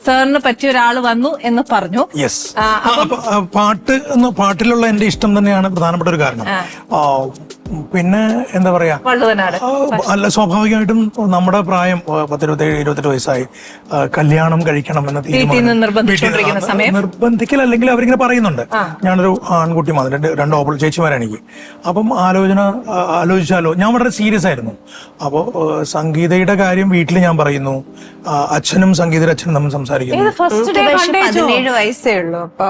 സാറിന് പറ്റിയ ഒരാൾ വന്നു എന്ന് പറഞ്ഞു. യെസ്. പാട്ടിലുള്ള എന്റെ ഇഷ്ടം തന്നെയാണ് പ്രധാനപ്പെട്ട ഒരു കാരണം. പിന്നെ എന്താ പറയാ, അല്ല സ്വാഭാവികമായിട്ടും നമ്മുടെ പ്രായം 17-28 വയസ്സായി, കല്യാണം കഴിക്കണം എന്ന തീരുമാനം നിർബന്ധിക്കൽ അല്ലെങ്കിൽ അവരിങ്ങനെ പറയുന്നുണ്ട്. ഞാനൊരു ആൺകുട്ടി മാത്രം, രണ്ട് ചേച്ചിമാരാണ് എനിക്ക്. അപ്പം ആലോചിച്ചാലോ, ഞാൻ വളരെ സീരിയസ് ആയിരുന്നു. അപ്പോൾ സംഗീതയുടെ കാര്യം വീട്ടിൽ ഞാൻ പറയുന്നു, അച്ഛനും സംഗീതയുടെ അച്ഛനും തമ്മിൽ സംസാരിക്കുന്നു. 17 വയസ്സേ ഉള്ളൂ അപ്പൊ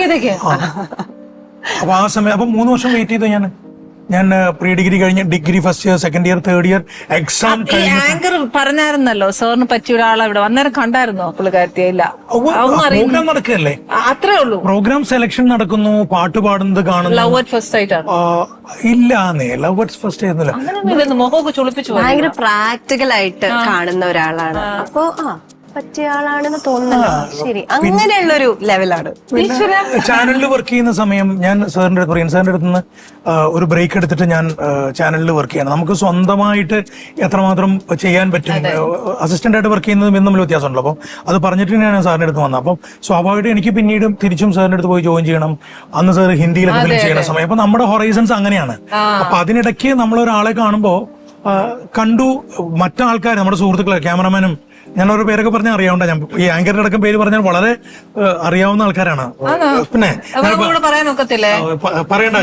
ആ സമയം. അപ്പൊ 3 വർഷം വെയിറ്റ് ചെയ്തു. ഞാൻ പ്രീ ഡിഗ്രി കഴിഞ്ഞ് degree first year, second year, third year exam anchor പറഞ്ഞായിരുന്നല്ലോ സാറിന് പറ്റിയ ഒരാളെ ഇവിടെ അന്നേരം കണ്ടായിരുന്നോ പുള്ളിക്കാരത്തിയെ? ഇല്ല, പ്രോഗ്രാം നടക്കല്ലേ, അത്രേ ഉള്ളൂ. പ്രോഗ്രാം സെലക്ഷൻ നടക്കുന്നു, പാട്ട് പാടുന്നത് കാണുന്നു. ലവ് അറ്റ് ഫസ്റ്റ് ആയിട്ടാണ്? ഇല്ലാന്നേ, ലവ് അറ്റ് ഫസ്റ്റ് ആയിരുന്നില്ല. മുഖമൊക്കെ ചുളിപ്പിച്ചു. ഭയങ്കര പ്രാക്ടിക്കൽ ആയിട്ട് കാണുന്ന ഒരാളാണ്. അപ്പൊ പറ്റിയ ആളാണെന്ന് തോന്നുന്നല്ലോ. ശരി, അങ്ങനെയുള്ളൊരു ലെവലാണ്. ചാനലിൽ വർക്ക് ചെയ്യുന്ന സമയം ഞാൻ സാറിന്റെ അടുത്ത് പറയും, സാറിന്റെ അടുത്ത് നിന്ന് ഒരു ബ്രേക്ക് എടുത്തിട്ട് ഞാൻ ചാനലിൽ വർക്ക് ചെയ്യണം. നമുക്ക് സ്വന്തമായിട്ട് എത്രമാത്രം ചെയ്യാൻ പറ്റും, അസിസ്റ്റന്റ് ആയിട്ട് വർക്ക് ചെയ്യുന്നതും തമ്മിൽ വ്യത്യാസമുണ്ടല്ലോ. അപ്പം അത് പറഞ്ഞിട്ട് ഞാൻ സാറിന്റെ അടുത്ത് വന്നത്. അപ്പം സ്വാഭാവികമായിട്ട് എനിക്ക് പിന്നീട് തിരിച്ചും സാറിന്റെ അടുത്ത് പോയി ജോയിൻ ചെയ്യണം. അന്ന് സാർ ഹിന്ദിയിലൊക്കെ ഫിലിം ചെയ്യുന്ന സമയം. അപ്പൊ നമ്മുടെ ഹൊറൈസൺസ് അങ്ങനെയാണ്. അപ്പൊ അതിനിടയ്ക്ക് നമ്മളൊരാളെ കാണുമ്പോൾ കണ്ടു, മറ്റാൾക്കാർ, നമ്മുടെ സുഹൃത്തുക്കളെ, ക്യാമറമാനും, ഞാൻ ഓരോ പേരൊക്കെ പറഞ്ഞാൽ അറിയാവുന്ന, ഞാൻ ഈ ആങ്കറിന്റെ അടക്കം പേര് പറഞ്ഞാൽ വളരെ അറിയാവുന്ന ആൾക്കാരാണ്. പിന്നെ പറയണ്ട,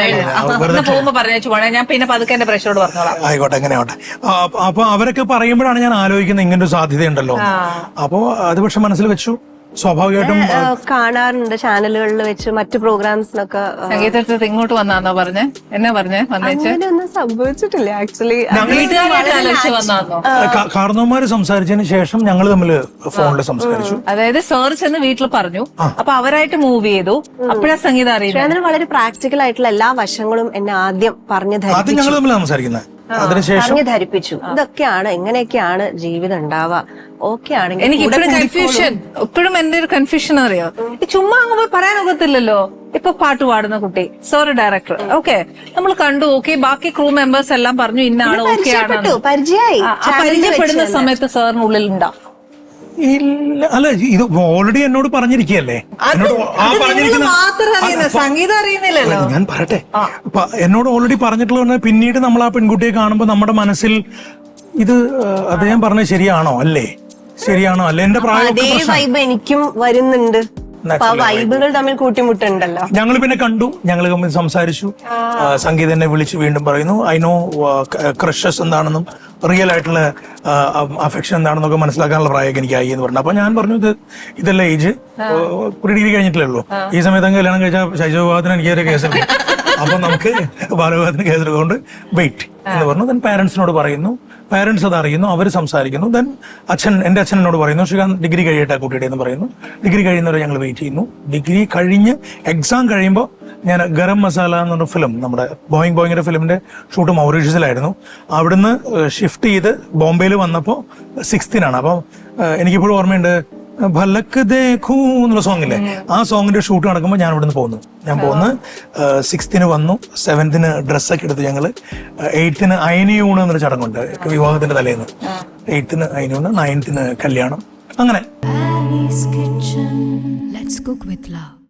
ആയിക്കോട്ടെ, എങ്ങനെ ആവട്ടെ. അപ്പൊ അവരൊക്കെ പറയുമ്പോഴാണ് ഞാൻ ആലോചിക്കുന്നത് ഇങ്ങനൊരു സാധ്യതയുണ്ടല്ലോ. അപ്പൊ അത് പക്ഷെ മനസ്സിൽ വെച്ചു. സ്വാഭാവികമായിട്ടും കാണാറുണ്ട് ചാനലുകളിൽ വെച്ച്, മറ്റു പ്രോഗ്രാംസിനൊക്കെ. സംഗീതത്തിൽ ഇങ്ങോട്ട് വന്നാന്നോ പറഞ്ഞേ? എന്നാ പറഞ്ഞേ? ഒന്നും സംഭവിച്ചിട്ടില്ല ആക്ച്വലി. കാരണവന്മാര് സംസാരിച്ചതിന് ശേഷം ഞങ്ങൾ തമ്മിൽ ഫോണിൽ സംസാരിച്ചു. അതായത് സാർ ചെന്ന് വീട്ടിൽ പറഞ്ഞു, അപ്പൊ അവരായിട്ട് മൂവ് ചെയ്തു. അപ്പോഴാ സംഗീതം അറിയുന്നത്. വളരെ പ്രാക്ടിക്കൽ ആയിട്ടുള്ള എല്ലാ വശങ്ങളും എന്നെ ആദ്യം പറഞ്ഞു അത് ഞങ്ങൾ തമ്മിൽ സംസാരിക്കുന്നത്. പറഞ്ഞു ധരിപ്പിച്ചു, ഇതൊക്കെയാണ്, എങ്ങനെയൊക്കെയാണ് ജീവിതം ഉണ്ടാവുക. ഓക്കെ ആണെങ്കിൽ എനിക്ക് ഇപ്പോഴും കൺഫ്യൂഷൻ, ഇപ്പോഴും എന്റെ ഒരു കൺഫ്യൂഷൻ അറിയോ, ചുമ്മാ അങ്ങ് പറയാനൊക്കത്തില്ലല്ലോ. ഇപ്പൊ പാട്ട് പാടുന്ന കുട്ടി, സോറി ഡയറക്ടർ, ഓക്കെ നമ്മൾ കണ്ടു, ഓക്കെ, ബാക്കി ക്രൂ മെമ്പേഴ്സ് എല്ലാം പറഞ്ഞു ഇന്ന ആണ്, ഓക്കെ ആണ്. പരിചയപ്പെടുന്ന സമയത്ത് സാറിനുള്ളിൽ ഉണ്ടാവും. ഇല്ല, അല്ല, ഇത് ഓൾറെഡി എന്നോട് പറഞ്ഞിരിക്കുകയല്ലേ. സംഗീതം അറിയുന്നില്ലല്ലോ. ഞാൻ പറയട്ടെ, എന്നോട് ഓൾറെഡി പറഞ്ഞിട്ടുള്ള പിന്നീട് നമ്മൾ ആ പെൺകുട്ടിയെ കാണുമ്പോൾ നമ്മുടെ മനസ്സിൽ ഇത് അദ്ദേഹം പറഞ്ഞത് ശരിയാണോ അല്ലേ, ശരിയാണോ അല്ലേ, എന്റെ പ്രായം എനിക്കും വരുന്നുണ്ട്. വൈബുകൾ തമ്മിൽ കൂട്ടിമുട്ടുണ്ടല്ലോ. ഞങ്ങൾ പിന്നെ കണ്ടു, ഞങ്ങൾ തമ്മിൽ സംസാരിച്ചു. സംഗീത എന്നെ വിളിച്ച് വീണ്ടും പറയുന്നു, ഐ നോ ക്രഷസ് എന്താണെന്നും റിയൽ ആയിട്ടുള്ള അഫെക്ഷൻ എന്താണെന്നൊക്കെ മനസ്സിലാക്കാനുള്ള പ്രായമൊക്കെ എനിക്കായി എന്ന് പറഞ്ഞു. അപ്പൊ ഞാൻ പറഞ്ഞു, ഇതല്ല ഏജ്, പ്രീ ഡിഗ്രി കഴിഞ്ഞിട്ടില്ലേ ഉള്ളൂ, ഈ സമയത്ത് അങ്ങ് കല്യാണം കഴിച്ചാൽ ശൈശവവിവാഹത്തിന് എനിക്കൊരു കേസെടുക്കും, അപ്പൊ നമുക്ക് ബാലവിവാഹത്തിന് കേസെടുക്കൊണ്ട് വെയിറ്റ് എന്ന് പറഞ്ഞു. ദെൻ പാരന്റ്സിനോട് പറയുന്നു, പാരന്റ്സ് അത് അറിയുന്നു, അവർ സംസാരിക്കുന്നു. ദെൻ എന്റെ അച്ഛൻ എന്നോട് പറയുന്നു, ശ്രീകാന്ത് ഡിഗ്രി കഴിയട്ടെ കുട്ടിയുടെ എന്ന് പറയുന്നു. ഡിഗ്രി കഴിയുന്നവരെ ഞങ്ങൾ വെയിറ്റ് ചെയ്യുന്നു. ഡിഗ്രി കഴിഞ്ഞ് എക്സാം കഴിയുമ്പോൾ ഞാൻ ഗരം മസാല എന്ന് പറഞ്ഞ ഫിലിം, നമ്മുടെ ബോയിങ്ങിന്റെ ഫിലിമിന്റെ ഷൂട്ട് മൗറീഷ്യസിലായിരുന്നു. അവിടുന്ന് ഷിഫ്റ്റ് ചെയ്ത് ബോംബെയിൽ വന്നപ്പോൾ 6th അപ്പം എനിക്കിപ്പോഴും ഓർമ്മയുണ്ട്, ഭലക്ക് ദേഖൂ എന്നുള്ള സോങ് ഇല്ലേ, ആ സോങ്ങിന്റെ ഷൂട്ട് നടക്കുമ്പോൾ ഞാൻ ഇവിടുന്ന് പോകുന്നു. ഞാൻ 6th വന്നു, 7th ഡ്രസ്സൊക്കെ എടുത്ത് ഞങ്ങള് 8th അയനിയൂണ് എന്നൊരു ചടങ്ങുണ്ട് വിവാഹത്തിന്റെ തലേന്ന്. 8th അയനിയൂണ്, 9th കല്യാണം, അങ്ങനെ.